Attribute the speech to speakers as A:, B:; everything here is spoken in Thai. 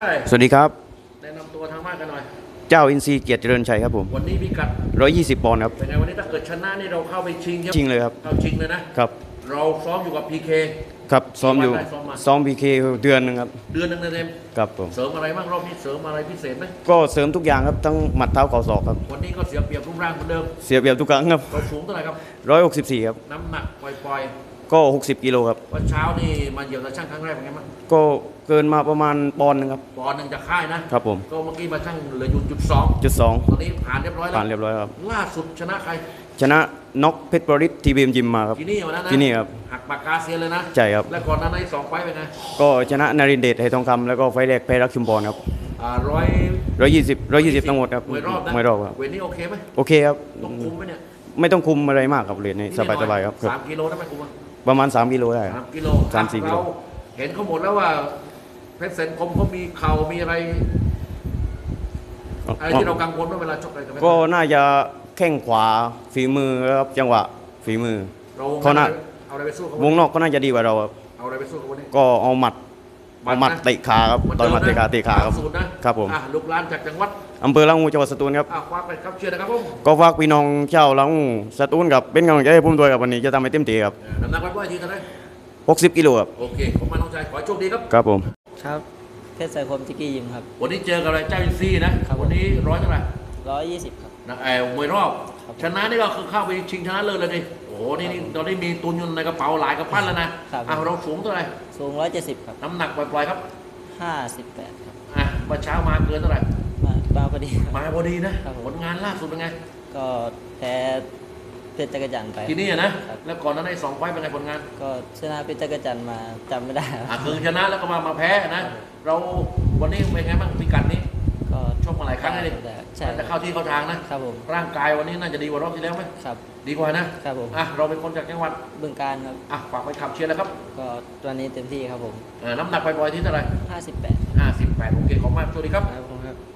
A: สวัสดีครับ
B: แนะนำตัวทางบ้านกันหน่อย
A: เจ้าอินทรีย์เกียรติเจริญชัยครับผม
B: วันนี้พิกัด
A: 120 ปอนด์ครับ
B: เป็นไงวันนี้ถ้าเกิดชนะนี่เราเข้าไปชิง
A: ชิงเลยครับ
B: เข้าชิงเลยนะครับเราซ้อมอยู่กับ PK
A: ครับซ้อมอยู่ซ้อม PK เดือนนึงครับ
B: เดือนหนึ่งเต็ม
A: ครับผม
B: เสริมอะไรบ้างรอบนี้เสริมอะไรพิเศษไหม
A: ก็เสริมทุกอย่างครับทั้งหมัดเท้าเข่าศอกครับ
B: วันนี้ก็เสียเปรียบรูปร่างเหมือนเดิม
A: เสียเปรียบทุกครั้งครับ
B: เราสูงเท่าไหร่ครับ
A: 164ครับ
B: น้ำหนักปล่อย
A: ก็60 กิโลครับ
B: วันเช้านี่มาเหยียบตะช่างครั้งแรกเป็นไงบ้าง
A: ก็เกินมาประมาณปอนด์นึงครับ
B: ปอนด์หนึ่งจากค่ายนะครับ
A: ผม
B: ก็เมื่อกี้มาช่างเหลืออยู่
A: จุด 2
B: ตอนนี้ผ่านเรียบร้อยแล้ว
A: ผ่านเรียบร้อยครับ
B: ล่าสุดชนะใคร
A: ชนะน็อกเพชรบริษทีบีเอ็มยิมมาครับ
B: ที่นี่วันนั้นนะ
A: ที่นี่ครับ
B: หักปากกาเซียนเลยนะ
A: ใช่ครับ
B: และก่อนนั้นใน2 ไฟต์เป็นไง
A: ก็ชนะนารินเดชไหทองคำแล้วก็ไฟแรกแพ้รักชุมพรครับ120ทั้งหมดครับ
B: มวยรอบนะ
A: มวยรอบครับ
B: เวทนี้โอเคไหม
A: โอเคครับ
B: ต้องคุมไหมเนี่ย
A: ไม่ต้องคุมอะไรมากครับเรียนนี้สบายๆครับ
B: 3 กิโลได้ไหมคุม
A: ประมาณ3 กิโลได้
B: 3 กิโล
A: 3-4 กิโล
B: เห็นเขาหมดแล้วว่าเพชรเซนคมเขามีเข่ามีอะไรที่เรากังวลว่าเวลาชกอะไร
A: ก็น่าจะแข้งขวาฝีมือครับจังหวะฝีมือ
B: เขาน่าเอาอะไรไปสู้เขา
A: วงนอกก็น่าจะดีกว่าเราครับ
B: เอาอะไรไปสู้เขาวันนี้
A: ก็เอาหมัดเตะขาครับตอนหมัดเตะขาครับครับผม
B: ลูกหลานจากจังหวัด
A: อำเภอละงูจังหวัดสตูลครับ
B: ฝากไปครับเชียร์นะครับผม
A: ก็ฝากพี่น้องชาวละงูสตูลกับเป็นกำลังใจให้ผมด้วยครับวันนี้จะทำให้เต็มที่ครับ
B: น้ำหนักไว้ทีเท่าไหร่
A: 60 กิโลครับ
B: โอเคผมมาน้องชายขอโชคดีครับ
A: ครับผม
C: ครับเพชรสายคมจิกกี้ยิมครับ
B: วันนี้เจอกับอะไรเจ้าอินซีนะวันนี้เท่าไหร่
C: 120ครับ
B: นะมวยรอบชนะนี่ก็คือเข้าไปชิงชนะเลิศเลยดิโอ้โหนี่ตอนนี้มีตุนอยู่ในกระเป๋าหลายกระปั้นแล้วนะเราสูงเท่าไหร่
C: สูง170ครับ
B: น้ำหนักปล่อยๆครับ
C: 58ครับ
B: เมื่อเช้ามาเกินเท่าไหร่
C: มาพอดี
B: มาพอดีนะผลงานล่าสุดเป็นไง
C: ก็แพ้เพชรจักรจันทร์ไป
B: ที่นี่นะแล้วก่อนนั้นใน2 ไฟต์เป็นไงผลงาน
C: ก็ชนะเพชรจักรจันทร์มาจำไม่ได้
B: คือชนะแล้วก็มาแพ้นะเราวันนี้เป็นไงบ้างพิกัดนี้
C: ก็
B: ชกมาหลายครั้งเลยจะเข้าที่เข้าทางนะครับ
C: ผม
B: ร่างกายวันนี้น่าจะดีกว่ารอบที่แล้วไหม
C: ครับ
B: ดีกว่านะครับผมเราเป็นคนจากจังหวัด
C: บึงกาฬครับ
B: ฝากไปขับเชียร์แล้วครับ
C: ก็ตัวนี้เต็มที่ครับผม
B: น้ำหนักปล่อยๆที่เท่าไหร่
C: 58
B: โอเคขอบคุณมากสวัสดีครับ
C: ครับ